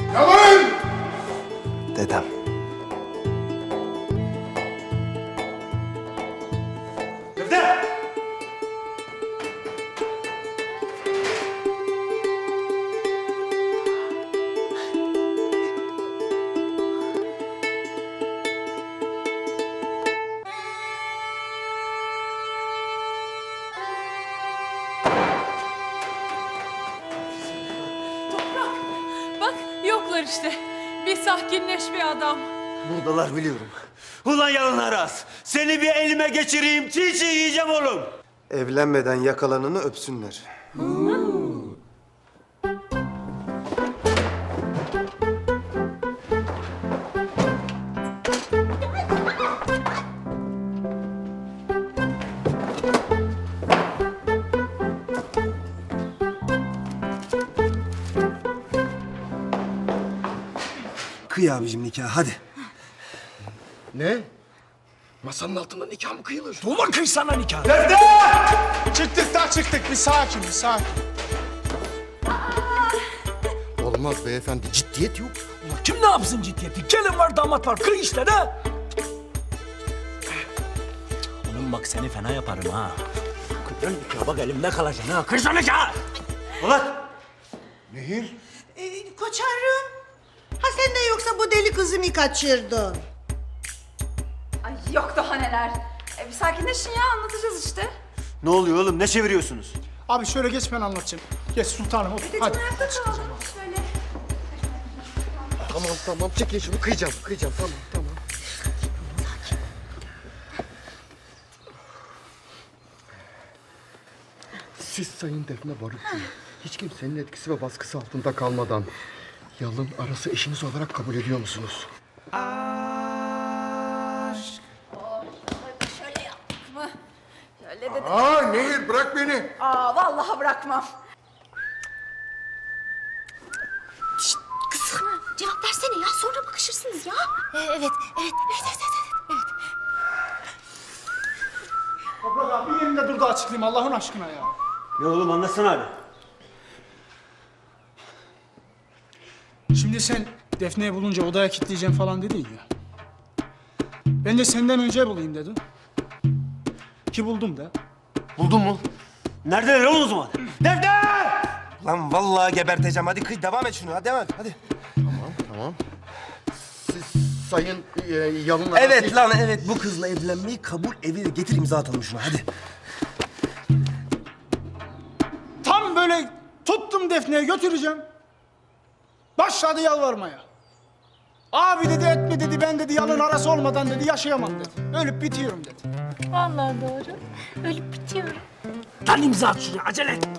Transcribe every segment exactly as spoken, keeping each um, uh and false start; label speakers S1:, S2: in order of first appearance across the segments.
S1: Yalan!
S2: Dedem.
S3: Dede!
S4: Bak yoklar işte. Bir sakinleş bir adam.
S3: Buradalar biliyorum. Ulan yalın Aras. Seni bir elime geçireyim. Çiğ çiğ yiyeceğim oğlum.
S2: Evlenmeden yakalananı öpsünler. Kıy abicim nikah hadi.
S1: Ne? Masanın altında nikah mı kıyılır?
S5: Ulan kıysana nikah.
S3: Defne!
S5: Çıktık da çıktık. Bir sakin, bir sakin.
S1: Olmaz beyefendi, ciddiyet yok.
S5: Ulan kim ne yapsın ciddiyeti? Gelin var, damat var. Kıy işte de. Oğlum bak seni fena yaparım ha. Kıydın nikah bak elimde kalacaksın ha. Kıysana nikah.
S3: Ulan!
S1: Nehir?
S6: Ee, koçarım. Ha sen de yoksa bu deli kızı mı kaçırdın?
S4: Ay yok daha neler. E, bir sakinleşin ya anlatacağız işte.
S3: Ne oluyor oğlum? Ne çeviriyorsunuz?
S5: Abi şöyle geç ben anlatacağım. Geç sultanım otur.
S4: Dedeciğim
S5: Hadi.
S4: ayakta kalalım şöyle.
S1: Tamam tamam, çekin şunu, kıyacağım, kıyacağım, tamam tamam. Siz Sayın Defne Barutçu, hiç kimsenin etkisi ve baskısı altında kalmadan Yalın Aras'ı eşiniz olarak kabul ediyor musunuz?
S4: Şöyle yaptık mı? Şöyle dedim.
S1: Aa Nehir, bırak beni.
S4: Aa vallahi bırakmam.
S7: Kızım cevap versene ya sonra bakışırsınız ya. Ee, evet, evet, evet, evet, evet, evet.
S5: Toprak abi bir yerinde dur da açıklayayım Allah'ın aşkına ya.
S3: Ne oğlum anlatsana hadi.
S5: Şimdi sen Defne'yi bulunca odaya kilitleyeceğim falan dedin ya. Ben de senden önce bulayım dedim. Ki buldum da.
S3: Buldun mu? Neredeler oğlum o zaman? Defne!
S2: Lan vallahi geberteceğim. Hadi kıy devam et şunu. Hadi devam et. Hadi.
S1: Tamam. Siz Sayın e, Yalın Aras'ı...
S2: Evet lan evet. Bu kızla evlenmeyi kabul evine getir imza atalım şuna. Hadi.
S5: Tam böyle tuttum Defne'ye götüreceğim. Başladı yalvarmaya. Abi dedi etme dedi ben dedi Yalın Arası olmadan dedi yaşayamam dedi. Ölüp bitiyorum dedi.
S7: Vallahi doğru. Ölüp bitiyorum.
S5: Lan imza at şuraya acele et.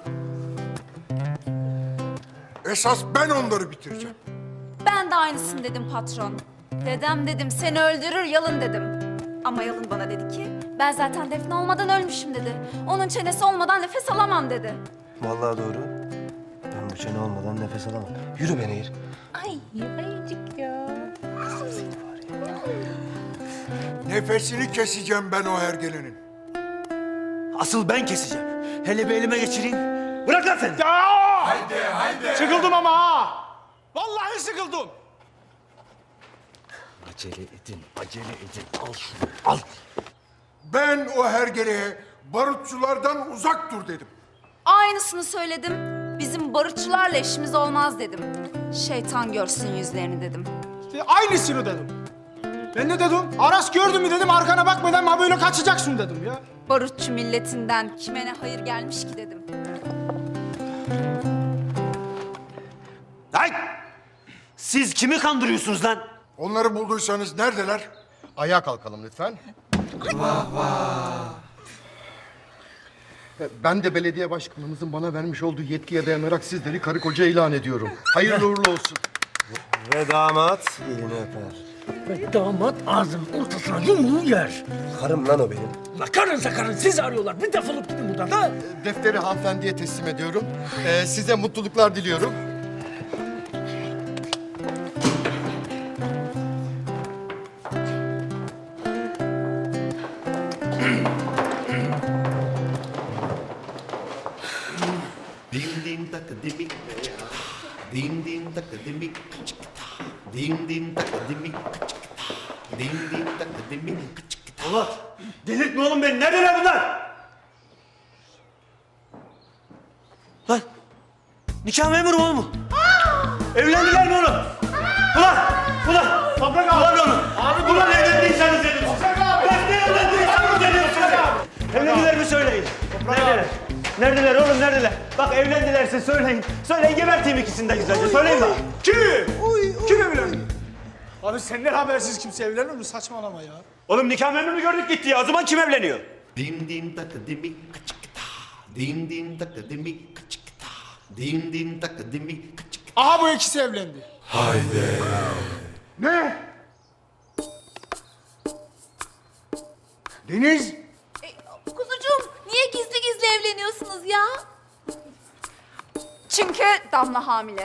S1: Esas ben onları bitireceğim.
S4: Ben de aynısını dedim patron. Dedem dedim seni öldürür Yalın dedim. Ama Yalın bana dedi ki ben zaten Defne olmadan ölmüşüm dedi. Onun çenesi olmadan nefes alamam dedi.
S2: Vallahi doğru. Ben bu çene olmadan nefes alamam. Yürü be Nehir.
S7: Ay ayıcık ya.
S1: Nefesini keseceğim ben o hergelenin.
S3: Asıl ben keseceğim. Hele bir elime geçireyim. Bırak lan sen!
S5: Ya! Haydi haydi. Sıkıldım ama ha. Vallahi sıkıldım.
S3: Acele edin, acele edin. Al şunu, al.
S1: Ben o hergeleye barutçulardan uzak dur dedim.
S4: Aynısını söyledim. Bizim barutçularla işimiz olmaz dedim. Şeytan görsün yüzlerini dedim.
S5: İşte aynısını dedim. Ben ne dedim? Aras gördün mü dedim arkana bakmadan ha böyle kaçacaksın dedim ya.
S4: Barutçu milletinden kime ne hayır gelmiş ki dedim.
S3: Hay! Siz kimi kandırıyorsunuz lan?
S1: Onları bulduysanız neredeler? Ayağa kalkalım lütfen. Ben de belediye başkanımızın bana vermiş olduğu yetkiye dayanarak sizleri karı koca ilan ediyorum. Hayırlı uğurlu olsun.
S2: Ve damat elini öper.
S5: Ve damat ağzının ortasına yumruğu yer.
S2: Karım lan o benim.
S5: La karınsa karın sizi arıyorlar. Bir defolup gidin buradan da.
S1: Defteri hanımefendiye teslim ediyorum. Ee, size mutluluklar diliyorum.
S3: Dim dim tak dim dim.
S8: Din din tak dimi kıçkıta. Din din tak dimi kıçkıta. Din din tak dimi kıçkıta.
S3: Ulan delirtme oğlum beni. Neredeler bunlar? Lan nikah memuru oğlum mu? Evlendiler mi oğlum? Ulan! Ulan! Toprak abi! Ulan oğlum! Abi ulan evlendiyseniz dedim. Toprak abi! Bak ne evlendiyseniz dedim. Evlendiler mi söyleyin? Neredeler? Neredeler oğlum neredeler? Bak evlendilerse söyleyin. Söyleyin geberteyim ikisini de güzelce. Söyleyin bak.
S5: Kim? Kim evlendi? Abi senden habersiz kimse evlenir mi? Saçmalama ya.
S3: Oğlum nikah memurunu gördük gitti ya. O zaman kim evleniyor?
S8: Din din tak dimi kıçkıta. Din din tak dimi kıçkıta. Din din tak dimi kıçkıta.
S5: Aha bu ikisi evlendi.
S1: Ne? Deniz!
S7: E, kuzucuğum niye gizli gizli evleniyorsunuz ya?
S4: Çünkü Damla hamile.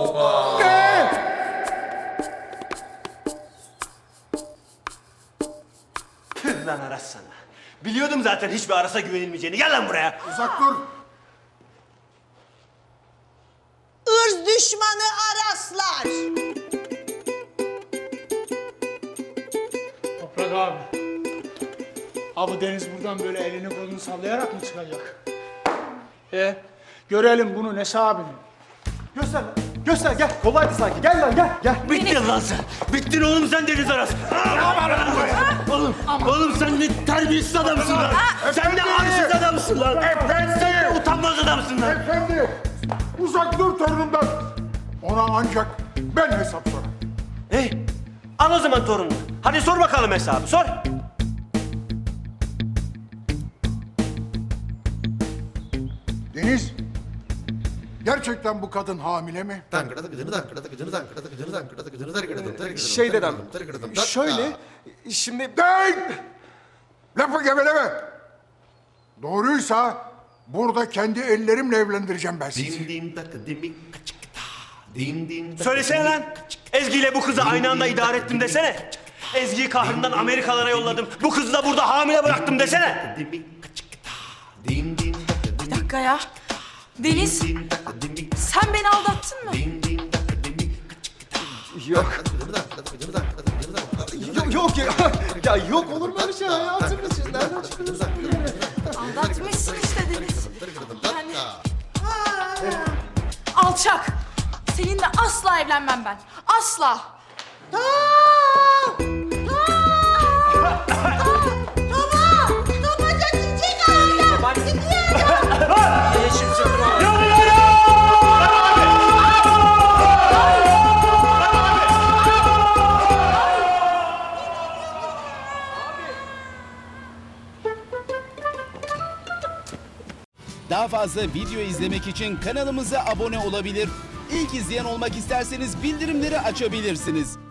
S3: Tüh lan Aras sana. Biliyordum zaten hiçbir Aras'a güvenilmeyeceğini. Gel lan buraya.
S1: Uzak dur!
S6: Irz düşmanı Araslar.
S5: Toprak abi. Abi Deniz buradan böyle elini kolunu sallayarak mı çıkacak? E görelim bunun hesabını.
S2: Göster lan. Göster gel. Kolaydı sanki. Gel lan gel. Gel.
S3: Bittin lan sen. Bittin oğlum sen Deniz Aras. Oğlum, oğlum sen ne terbiyesiz adamsın lan. Sen ne arsız adamsın lan. Sen ne utanmaz adamsın lan.
S1: Efendi! Uzak dur torunumdan! Ona ancak ben hesap sorarım.
S3: Hey, al o zaman torununu. Hadi sor bakalım hesabı, sor.
S1: Deniz! Gerçekten bu kadın hamile mi?
S2: Şey dedem. Şöyle. Şimdi...
S1: Değil! Lafı geveleme! Doğruysa burada kendi ellerimle evlendireceğim ben sizi.
S8: Din din tak dimi kıçkıta. Din din tak
S3: Söylesene
S8: dimi
S3: lan. Ezgi ile bu kızı aynı anda idare ettim desene. Ezgi'yi kahrından Amerikalara yolladım. Bu kızı da burada hamile bıraktım desene.
S8: dimi kıçkıta. Din din tak dimi.
S9: Bir dakika ya. Deniz,
S8: Din tak dimi.
S9: sen beni aldattın mı?
S8: Din din tak dimi kıçkıta.
S2: Yok. Yok yok ya. Ya yok olur mu öyle şey hayatım için? Nereden çıktınız?
S9: Aldatmışsın işte Deniz. Yani... Alçak. Seninle asla evlenmem ben. Asla.
S6: Tomaca çiçek ağacı.
S10: Daha fazla video izlemek için kanalımıza abone olabilir. İlk izleyen olmak isterseniz bildirimleri açabilirsiniz.